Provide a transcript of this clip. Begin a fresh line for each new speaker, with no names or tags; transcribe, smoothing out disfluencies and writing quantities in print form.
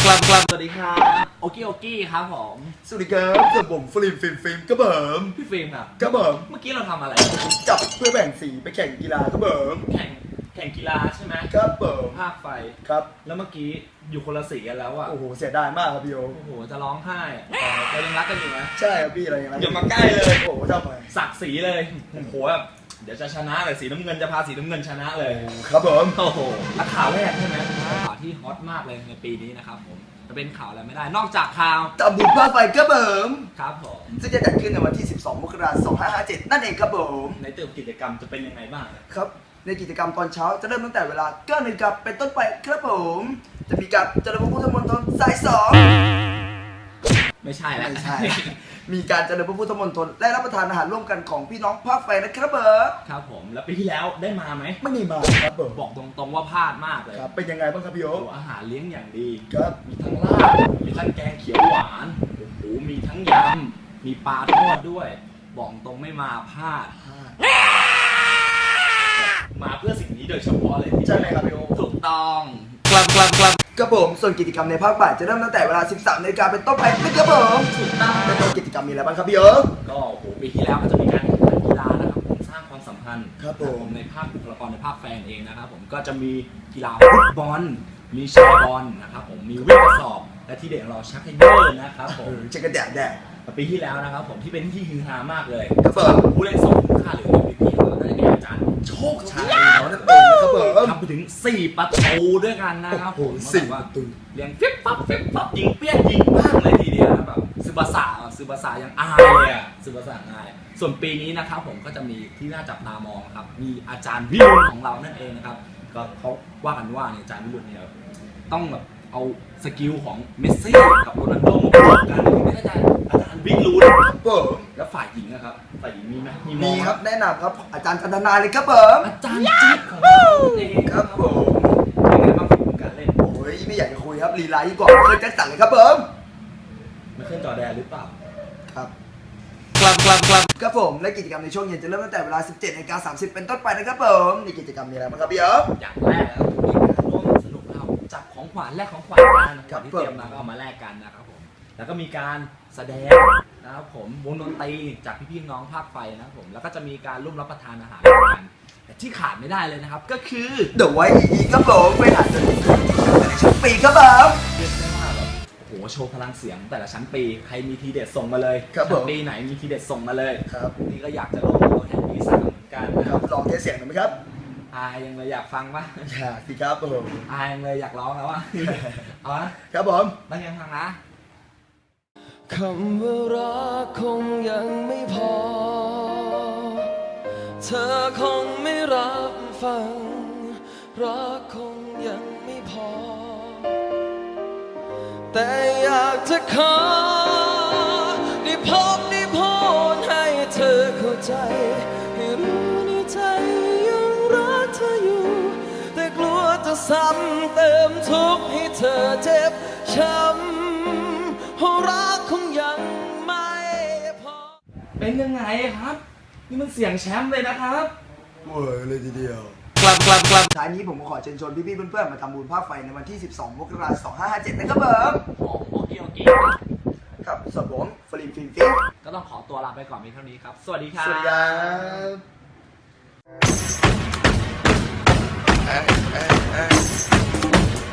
สวัสดีครับโอกี้ครับผม
สวัสดีครับกับผมฟิล์มกระเบิม
พี่ฟิล์มครับ
กระเบิม
เมื่อกี้เราทำอะไร
จับเพื่อแบ่งสีไปแข่งกีฬากระเบิม
แข่งกีฬาใช่ไหม
กระเบิม
ภาคไฟ
ครับ
แล้วเมื่อกี้อยู่คนละสีกันแล้วอะ
โอ้โหเสียดายมากครับพี่โ
อ้โหจะร้องไห้เรายังรักกันอยู่ไหม
ใช่ครับพี่อะไรอย่างเงี้ย
อย่ามาใกล้เลย
โอ้โหทำไม
สักสีเลยโอ้โหแบบเดี๋ยวจะชนะเลยสีน้ำเงินจะพาสีน้ำเงินชนะเลย
ครับผม
โอ้โหและข่าวแรกใช่ไหมข่าวที่ฮอตมากเลยในปีนี้นะครับผมจะเป็นข่าวอะไรไม่ได้นอกจากข่าว
ตะบุญภาคไฟกระเบิม
ครับผม
ซึ่งจะจัดขึ้นในวันที่12 มกราคม 2557นั่นเองครับผม
ในเติมกิจกรรมจะเป็นยังไงบ้าง
ครับในกิจกรรมตอนเช้าจะเริ่มตั้งแต่เวลา9 นาฬิกาเป็นต้นไปครับผมจะมีการเจริญพระพุทธมนตรสาย2
ไม่ใช่แล้ว
ไม่ใช่มีการเจริญพระพุทธมนตรและรับประทานอาหารร่วมกันของพี่น้องภาคไฟนะครับ
ครับผมแล้วปีที่แล้วได้มาไหม
ไม่ได้มาครับผม
บอกตรงๆว่าพลาดมากเลย
ครับเป็นยังไงบ้างครับพี่โอ๊ค
อาหารเลี้ยงอย่างดี
ครับ
มีทั้งลาบมีทั้งแกงเขียวหวานโอ้โหมีทั้งยำมีปลาทอดด้วยบอกตรงไม่มาพลาดมาเพื่อสิ่งนี้โดยเฉพาะเลย
ใช่ไหมครับพี่โอ๊ค
ถูกต้อง
กระผมส่วนกิจกรรมในภาคบ่ายจะเริ่มตั้งแต่เวลา 13 นาฬิกาเป็นต้นไปนะครับผม
ถูกต้อง
แต่กิจกรรมมีอะไรบ้างครับพี่โอ๊ค
ก็โอ้โหปีที่แล้วก็จะมีการแข่งขันกีฬานะครับผมสร้างความสัมพันธ์
ครับผม
ในภาคบุคลากรในภาคแฟนเองนะครับผมก็จะมีกีฬาฟุตบอลมีแชร์บอลนะครับผมมีวิ่งกระสอบและที่เด็กเราชักไฮเดอร์นะครับผม
เช็คกันแดด
ปีที่แล้วนะครับผมที่เป็นที่ฮือฮามากเลย
ครับผม
ผู้เล่น2คุ้มค่าหรือ MVP ของเราได้แก่อาจารย์โชคชัย
นั่นเองครับผม
ทำไปถึง4 ประตูด้วยกันนะครับผม
4 ประตู
เลี้ยงฟิบฟับยิงเปี้ยนยิงมากเลยทีเดียวแบบซึบาสะยังอายเลยอ่ะซึบาสะอายส่วนปีนี้นะครับผมก็จะมีที่น่าจับตามองครับมีอาจารย์วิรุณของเรานั่นเองนะครับก็เขาว่ากันว่าเนี่ยอาจารย์วิรุณเนี่ยต้องแบบเอาสกิลของเมสซี่กับโรนัลโดมาประกอบกันไม่ได้อาจารย์วิรุณแล้วฝ่ายหญิงนะครับฝ่ายหญิงมีไหม
มีครับแนะนำครับอาจารย์ธนาเลยครับผม
อาจารย์จิ๊บของเราเอง
ครับผม
เป็นไงบ้างฝีมือการเล่น
โอ้ยไม่อยากจะคุยครับลีลายิ่งกว่าเคยแจ็คสันเลยครับผม
ไม่ขึ้นจอแดนหรือเปล่า
ครับครับผมและกิจกรรมในช่วงเย็นจะเริ่มตั้งแต่เวลา 17:30 เป็นต้นไปนะครับผมในกิจกรรมมีอะไรบ้างครับพี่
อย่างแรกแล้วมีการร่วมสนุกนะครับจับของขวัญแลกของขวัญกันนะครับที่เตรียมมาก็เอามาแลกกันนะครับผมแล้วก็มีการแสดงนะครับผมวงดนตรีจากพี่น้องภาคไฟนะครับผมแล้วก็จะมีการร่วมรับประทานอาหารกันแต่ที่ขาดไม่ได้เลยนะครับก็คือ
เดอะไวท์อีครับผมไปหาจนในชั้นปีครับผม
เรียกได้ว่าแบบโอ้โหโชว์พลังเสียงแต่ละชั้นปีใครมีทีเด็ดส่งมาเลย
ชั้น
ปีไหนมีทีเด็ดส่งมาเลย
ครับ
นี่ก็อยากจะลองตัวแทนปี3เหมือนกัน
ครับลองเทสเสียงหน่อยไหมครับ
ยังเลยอยากฟังปะ
อยากสิครับผม
ยังเลยอยากร้องแล้วอ่ะเอาละ
ครับผม
ตั้งยังฟังนะ
คำว่ารักคงยังไม่พอเธอคงไม่รับฟังรักคงยังไม่พอแต่อยากจะขอได้พบได้พูดให้เธอเข้าใจให้รู้ในใจยังรักเธออยู่แต่กลัวจะซ้ำเติมทุกข์ให้เธอเจ็บช้ำเพราะรักคงยังไม่พอ
เป็นยังไงครับนี่มันเสียงแชมป์เลยนะครับ
โอ้ยเลยทีเดียวท้ายนี้ผมขอเชิญชวนพี่ๆเพื่อนๆมาทำบุญภาคไฟในวันที่12 มกราคม 2557นะครับผม
โอเค
ครับส่วนผมฟิล์ม
ก็ต้องขอตัวลาไปก่อนเพียงเท่านี้ครับสวัสดีครับ
สวัสดีครับ